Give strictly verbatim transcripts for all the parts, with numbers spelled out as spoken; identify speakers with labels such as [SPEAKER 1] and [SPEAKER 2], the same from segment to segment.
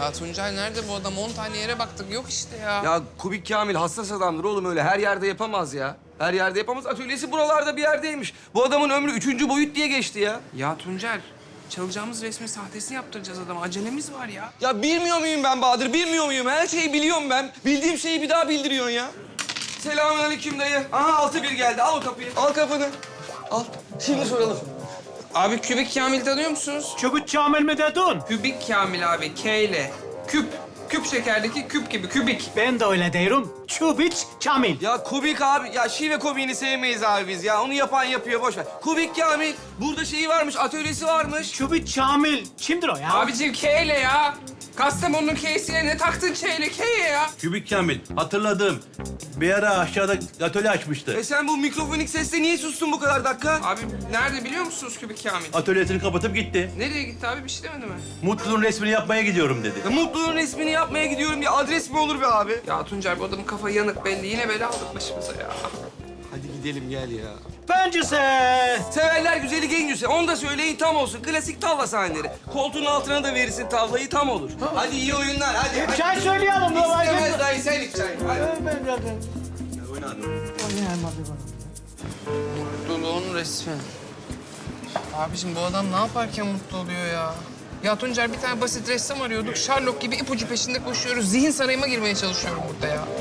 [SPEAKER 1] Ya Tuncay nerede bu adam? On tane yere baktık. Yok işte ya.
[SPEAKER 2] Ya Kubik Kamil hassas adamdır oğlum öyle. Her yerde yapamaz ya. Her yerde yapamaz. Atölyesi buralarda bir yerdeymiş. Bu adamın ömrü üçüncü boyut diye geçti ya.
[SPEAKER 1] Ya Tuncel, çalacağımız resmin sahtesini yaptıracağız adama. Acelemiz var ya.
[SPEAKER 2] Ya bilmiyor muyum ben Bahadır? Bilmiyor muyum? Her şeyi biliyorum ben. Bildiğim şeyi bir daha bildiriyorsun ya. Selamünaleyküm dayı. Aha altı bir geldi. Al o kapıyı. Al kapını. Al. Şimdi soralım.
[SPEAKER 1] Abi Kübik Kamil tanıyor musunuz?
[SPEAKER 3] Çubuk Kamil mi dedin?
[SPEAKER 1] Kübik Kamil abi, K ile. Küp. Küp şekerdeki küp gibi, kübik.
[SPEAKER 3] Ben de öyle diyorum. Çubuk Kamil.
[SPEAKER 2] Ya Kubik abi, ya şive komiğini sevmeyiz abi biz ya. Onu yapan yapıyor, boş ver. Kubik Kamil, burada şeyi varmış, atölyesi varmış.
[SPEAKER 3] Çubuk Kamil. Kimdir o ya?
[SPEAKER 1] Abicim K ile ya. Kastamonu'nun K'sine ne taktın Ç ile K'ye ya?
[SPEAKER 4] Kübik Kamil, hatırladım. Bir ara aşağıda atölye açmıştı.
[SPEAKER 2] E sen bu mikrofonik sesle niye sustun bu kadar dakika?
[SPEAKER 1] Abi nerede biliyor musunuz Kübik Kamil?
[SPEAKER 4] Atölyesini kapatıp gitti.
[SPEAKER 1] Nereye gitti abi? Bir şey demedi mi?
[SPEAKER 4] Mutlu'nun resmini yapmaya gidiyorum dedi.
[SPEAKER 2] Ya Mutlu'nun resmini yapmaya gidiyorum ya. Adres mi olur be abi?
[SPEAKER 1] Ya Tuncay bu adamın kafa yanık belli. Yine bela aldık başımıza ya.
[SPEAKER 2] Hadi gidelim gel ya.
[SPEAKER 3] Bencisi.
[SPEAKER 2] Severler güzeli gencüse. Onu da söyleyin tam olsun. Klasik tavla sahneleri. Koltuğun altına da verirsin tavlayı tam olur. Hadi iyi oyunlar hadi. hadi.
[SPEAKER 3] Çay söyleyelim.
[SPEAKER 2] İstemez dayı sen iç çay. Hadi.
[SPEAKER 1] Mutluluğun resmi. Abiciğim bu adam ne yaparken mutlu oluyor ya? Ya Tuncer bir tane basit ressam arıyorduk. Sherlock gibi ipucu peşinde koşuyoruz. Zihin sarayıma girmeye çalışıyorum burada ya.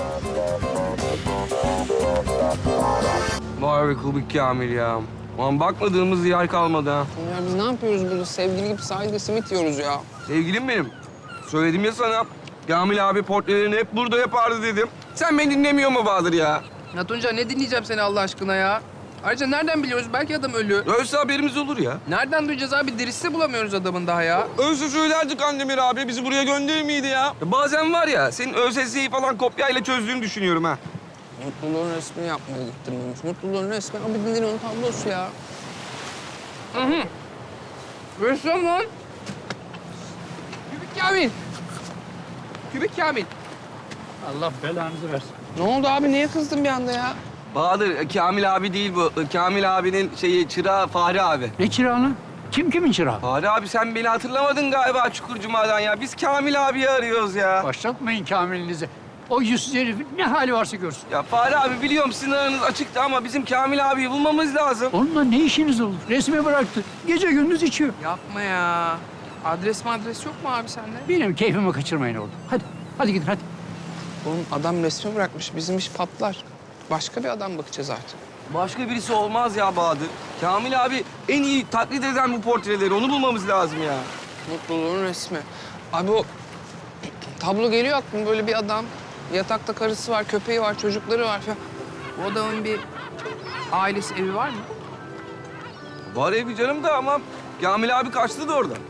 [SPEAKER 2] Vay be Kubik Kamil ya. Ulan bakmadığımız yer kalmadı ha.
[SPEAKER 1] Tuncer biz ne yapıyoruz burada? Sevgili gibi sahilde simit yiyoruz ya.
[SPEAKER 2] Sevgilim benim. Söyledim ya sana. Kamil abi portrelerini hep burada yapardı dedim. Sen beni dinlemiyor mu Bahadır ya?
[SPEAKER 1] Ya Tuncer ne dinleyeceğim seni Allah aşkına ya? Ayrıca nereden biliyoruz? Belki adam ölü.
[SPEAKER 2] Ölse haberimiz olur ya.
[SPEAKER 1] Nereden duyacağız abi? Dirisi bulamıyoruz adamın daha ya.
[SPEAKER 2] Ölse söylerdik Andemir abi. Bizi buraya gönderir miydi ya? ya? Bazen var ya, senin ÖSS'yi falan kopyayla çözdüğünü düşünüyorum ha.
[SPEAKER 1] Mutluluğun resmini yapmaya gittim demiş. Mutluluğun resmi Abidin Dino'nun tablosu ya. Hı hı. Ressam lan. Kübik Kamil. Kübik Kamil.
[SPEAKER 3] Allah belanızı versin.
[SPEAKER 1] Ne oldu abi? Niye kızdın bir anda ya?
[SPEAKER 2] Bahadır, Kamil abi değil bu. Kamil abinin şeyi, çırağı Fahri abi.
[SPEAKER 3] Ne çırağı? Kim kimin çırağı?
[SPEAKER 2] Fahri abi sen beni hatırlamadın galiba Çukurcuma'dan ya. Biz Kamil abiyi arıyoruz ya.
[SPEAKER 3] Başlatmayın Kamil'inizi. O yüzsüz herifin ne hali varsa görsün.
[SPEAKER 2] Ya Fahri abi biliyorum sizin aranız açıktı ama bizim Kamil abiyi bulmamız lazım.
[SPEAKER 3] Onunla ne işiniz olur? Resmi bıraktı. Gece gündüz içiyor.
[SPEAKER 1] Yapma ya. Adres mi adres yok mu abi sende?
[SPEAKER 3] Benim keyfimi kaçırmayın oğlum. Hadi, hadi gidin hadi.
[SPEAKER 1] Oğlum adam resmi bırakmış. Bizim iş patlar. Başka bir adam bakacağız artık.
[SPEAKER 2] Başka birisi olmaz ya Bahadır. Kamil abi en iyi taklit eden bu portreleri. Onu bulmamız lazım ya.
[SPEAKER 1] Mutluluğun resmi. Abi o tablo geliyor aklıma böyle bir adam. Yatakta karısı var, köpeği var, çocukları var falan. Bu adamın bir ailesi, evi var mı?
[SPEAKER 2] Var evi canım da ama Kamil abi kaçtı da orada.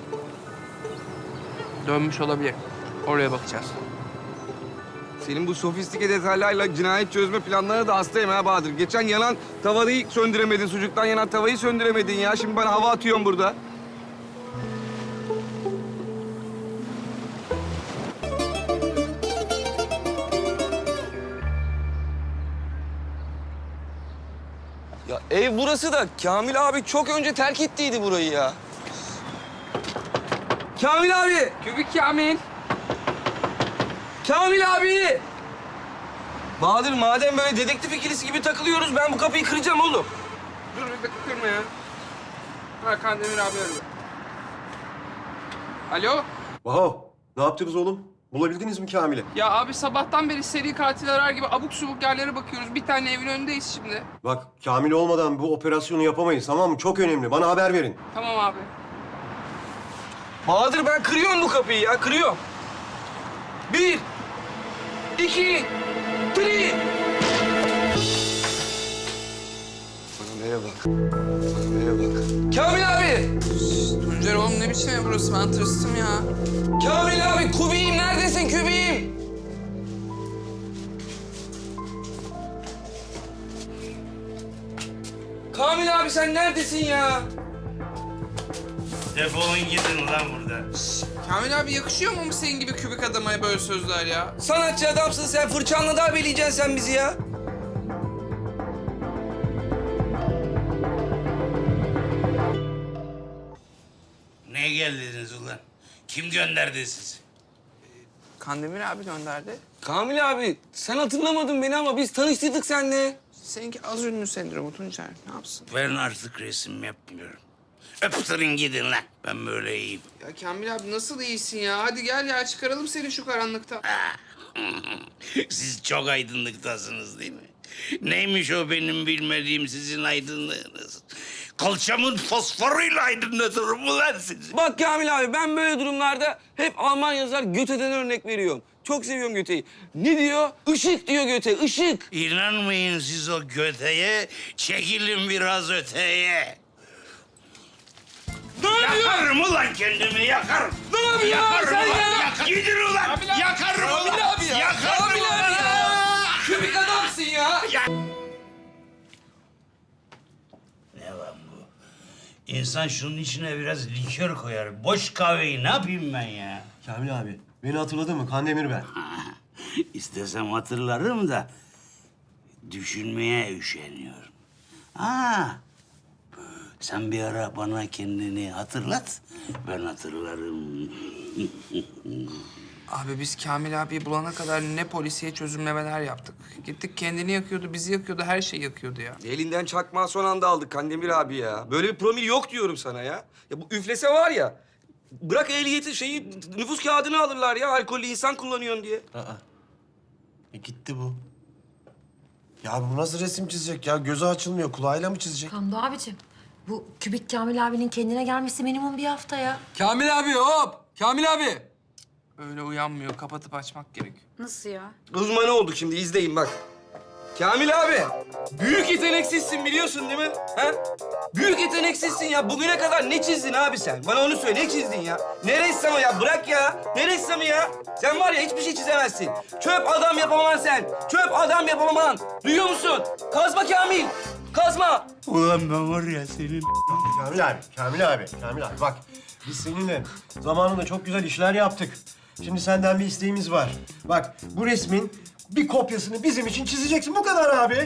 [SPEAKER 1] Dönmüş olabilir. Oraya bakacağız.
[SPEAKER 2] Senin bu sofistike detaylarla cinayet çözme planlarına da hastayım ha Bahadır. Geçen yanan tavayı söndüremedin, sucuktan yanan tavayı söndüremedin ya. Şimdi bana hava atıyorsun burada. Ya ev burası da Kamil abi çok önce terk ettiydi burayı ya. Kamil abi!
[SPEAKER 1] Kübik Kamil.
[SPEAKER 2] Kamil abi! Bahadır madem böyle dedektif ikilisi gibi takılıyoruz ben bu kapıyı kıracağım oğlum.
[SPEAKER 1] Dur bir dakika kırma ya. Hakan Demir abi arıyor. Alo?
[SPEAKER 5] Vaho, ne yaptınız oğlum? Bulabildiniz mi Kamil'i?
[SPEAKER 1] Ya abi sabahtan beri seri katil arar gibi abuk subuk yerlere bakıyoruz. Bir tane evin önündeyiz şimdi.
[SPEAKER 5] Bak, Kamil olmadan bu operasyonu yapamayız, tamam mı? Çok önemli. Bana haber verin.
[SPEAKER 1] Tamam abi.
[SPEAKER 2] Bahadır ben kırıyorum bu kapıyı ya, kırıyorum. Bir, iki, three. Bana nereye bak, bana nereye bak. Kamil abi!
[SPEAKER 1] Tuncer oğlum ne biçim ev burası? Ben tırstım ya.
[SPEAKER 2] Kamil abi, Kubi'yim neredesin Kubi'yim? Kamil abi sen neredesin ya?
[SPEAKER 4] Defolun gidin ulan buradan.
[SPEAKER 1] Kamil abi yakışıyor mu senin gibi kübik adama böyle sözler ya?
[SPEAKER 2] Sanatçı adamsın sen, fırçanla darbeleyeceksin sen bizi ya.
[SPEAKER 4] Ne geldiniz ulan? Kim gönderdi sizi?
[SPEAKER 1] Kandemir abi gönderdi.
[SPEAKER 2] Kamil abi sen hatırlamadın beni ama biz tanıştırdık seninle.
[SPEAKER 1] Seninki az ünlü sendromu Tuncer. Ne yapsın?
[SPEAKER 6] Ben artık resim yapmıyorum. Öptürün gidin lan. Ben böyle iyiyim.
[SPEAKER 1] Ya Kamil abi nasıl iyisin ya? Hadi gel ya çıkaralım seni şu karanlıkta.
[SPEAKER 6] Siz çok aydınlıktasınız değil mi? Neymiş o benim bilmediğim sizin aydınlığınız? Kalçamın fosforuyla aydınlatırım mı lan sizi?
[SPEAKER 2] Bak Kamil abi ben böyle durumlarda hep Alman yazar Göte'den örnek veriyorum. Çok seviyorum Göte'yi. Ne diyor? Işık diyor Göte, ışık.
[SPEAKER 6] İnanmayın siz o göteye, çekilin biraz öteye.
[SPEAKER 2] Ne yapıyorsun?
[SPEAKER 6] Yakarım ulan kendimi, yakarım.
[SPEAKER 2] Ne yapıyorsun
[SPEAKER 6] Yakarım
[SPEAKER 2] sen
[SPEAKER 6] ulan,
[SPEAKER 2] ya?
[SPEAKER 6] yakar- Gidin ulan, yakarım ulan.
[SPEAKER 2] Kamil abi ya.
[SPEAKER 6] Yakarım
[SPEAKER 2] Kamil
[SPEAKER 6] ulan.
[SPEAKER 2] abi ya. Kübik adamsın ya.
[SPEAKER 6] Ne lan bu? İnsan şunun içine biraz likör koyar. Boş kahveyi ne yapayım ben ya?
[SPEAKER 5] Kamil abi, beni hatırladın mı? Kandemir ben.
[SPEAKER 6] İstesem hatırlarım da düşünmeye üşeniyorum. Ha, sen bir ara bana kendini hatırlat, ben hatırlarım.
[SPEAKER 1] Abi biz Kamil abiyi bulana kadar ne polisiye çözümlemeler yaptık. Gittik kendini yakıyordu, bizi yakıyordu, her şeyi yakıyordu ya.
[SPEAKER 2] Elinden çakmağı son anda aldık Kandemir abi ya. Böyle bir promil yok diyorum sana ya. Ya bu üflese var ya. Bırak ehliyeti şeyi nüfus kağıdını alırlar ya. Alkollü insan kullanıyorsun diye.
[SPEAKER 7] Aa. E gitti bu. Ya bu nasıl resim çizecek ya? Gözü açılmıyor. Kulağıyla mı çizecek?
[SPEAKER 8] Hamdi abicim, bu kübik Kamil abinin kendine gelmesi minimum bir hafta ya.
[SPEAKER 2] Kamil abi hop. Kamil abi.
[SPEAKER 1] Öyle uyanmıyor, kapatıp açmak gerek.
[SPEAKER 8] Nasıl ya?
[SPEAKER 2] Uzmanı olduk şimdi izleyin bak. Kamil abi, büyük yeteneksizsin biliyorsun değil mi? Ha? Büyük yeteneksizsin ya. Bugüne kadar ne çizdin abi sen? Bana onu söyle, ne çizdin ya? Ne ressamı ya? Bırak ya. Ne ressamı ya? Sen var ya hiçbir şey çizemezsin. Çöp adam yapamam sen. Çöp adam yapamam. Duyuyor musun? Kazma Kamil. Kazma.
[SPEAKER 6] Ulan ben var ya senin...
[SPEAKER 5] Kamil abi, Kamil abi, Kamil abi bak. Biz seninle zamanında çok güzel işler yaptık. Şimdi senden bir isteğimiz var. Bak, bu resmin bir kopyasını bizim için çizeceksin. Bu kadar abi.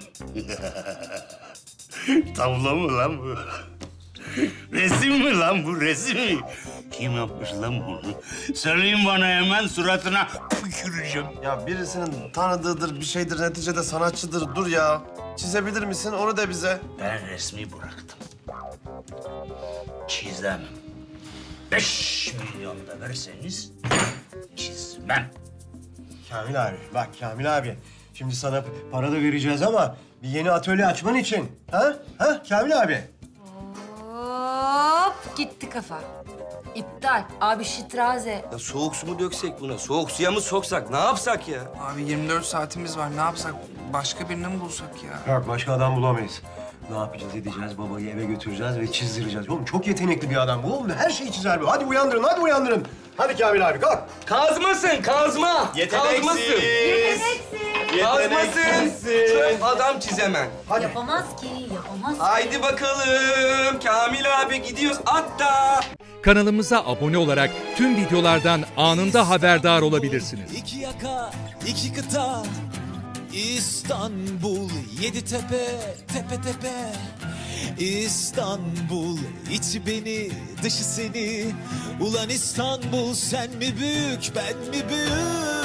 [SPEAKER 6] Tablo mu lan bu? Resim mi lan bu, resim mi? Kim yapmış lan bunu? Söyleyin bana hemen, suratına tüküreceğim.
[SPEAKER 7] Ya birisinin tanıdığıdır, bir şeydir, neticede sanatçıdır. Dur ya. Çizebilir misin? Onu da bize.
[SPEAKER 6] Ben resmi bıraktım. Çizemem. Beş milyon da verseniz çizmem.
[SPEAKER 5] Kamil abi, bak Kamil abi. Şimdi sana para da vereceğiz ama bir yeni atölye açman için. Ha? Ha Kamil abi?
[SPEAKER 8] Hop, gitti kafa. İptal. Abi şitraze.
[SPEAKER 2] Ya soğuk su mu döksek buna? Soğuk suya mı soksak? Ne yapsak ya?
[SPEAKER 1] Abi yirmi dört saatimiz var, ne yapsak? Başka birini mi bulsak ya?
[SPEAKER 5] Yok, başka adam bulamayız. Ne yapacağız, edeceğiz, babayı eve götüreceğiz ve çizdireceğiz. Oğlum çok yetenekli bir adam bu oğlum. Her şeyi çizer bu. Hadi uyandırın, hadi uyandırın. Hadi Kamil abi kalk.
[SPEAKER 2] Kazmasın, kazma. Kazmasın. Kazmasın. Çöp adam çizemem.
[SPEAKER 5] Hadi.
[SPEAKER 8] Yapamaz ki, yapamaz ki.
[SPEAKER 2] Haydi bakalım. Kamil abi gidiyoruz. Hatta.
[SPEAKER 9] Kanalımıza abone olarak tüm videolardan anında haberdar olabilirsiniz.
[SPEAKER 10] İki yaka, iki kıta, İstanbul, yedi tepe, tepe tepe. İstanbul, içi beni, dışı seni. Ulan İstanbul, sen mi büyük, ben mi büyük?